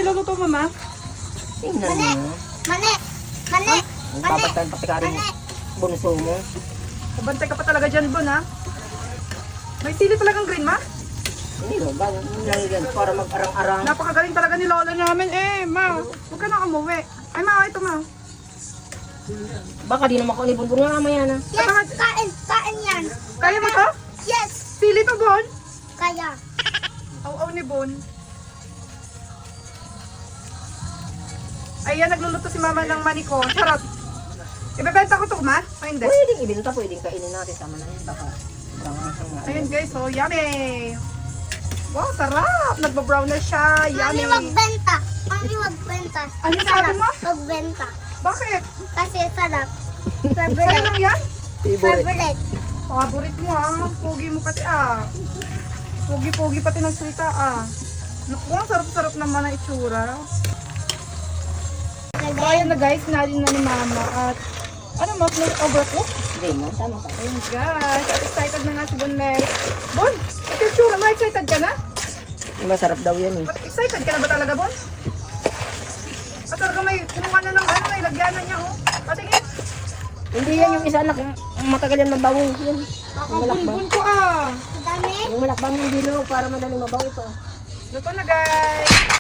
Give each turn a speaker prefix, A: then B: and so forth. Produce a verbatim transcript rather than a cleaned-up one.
A: niluluto, mama?
B: Tingnan mo.
C: Mali! Mali!
B: Ang papatan pati ka rin bunso mo.
A: Kabantay ka pa talaga dyan, Bon, ha? May sili talagang green, ma?
B: Hindi mo ba? Lang yan para mag-arang-arang.
A: Napakagaling talaga ni Lola namin. Eh, ma, huwag ka na umuwi. Ay, ma, ito, ma.
B: Baka di naman ako ni Bunbun nga mamaya na.
C: Yes! Kain! Kain yan!
A: Kaya mo to?
C: Yes!
A: Sili to, Bon?
C: Kaya.
A: Aw-aw ni Bon. Ayan, nagluluto si mama ng maniko. Charot. Ibebenta ko to, ma? O hindi?
B: Pwedeng ibinta, pwedeng kainin natin. Tama na yan. Baka brangasang nga.
A: Ayun, guys. So, yummy. Wow, sarap. Nagba-brown na siya.
C: Mami,
A: Yummy.
C: wag benta. Mami, wag benta.
A: Ano sabi mo?
C: Wag benta.
A: Bakit?
C: Kasi sarap.
A: Sa'yo
C: Favorite.
A: lang yan?
B: Favorite.
C: Favorite.
A: Paborit mo, ha? Pogi mo pati, ah. Pogi-pogi pati ng salita, ah. Naku, ang sarap-sarap naman ang itsura. So, ayan na guys, sinalin na ni mama. At, ano mo, overcook?
B: Hindi mo, tama ka.
A: Ayun guys, at excited na nga si Bon Mel. Bon, ito yung tsura mo, excited ka na?
B: Masarap daw yan eh.
A: At excited ka na ba talaga, Bon? At talaga may kumuha na ng ano, may lagyanan niya, oh. Patingin.
B: Hindi yan yung isa anak. Matagal yan mabawo. Yan.
A: Kakabunbun ko, ah.
C: Dami.
B: Yung malakbang yung dilo para madaling mabawo pa.
A: Luto na guys.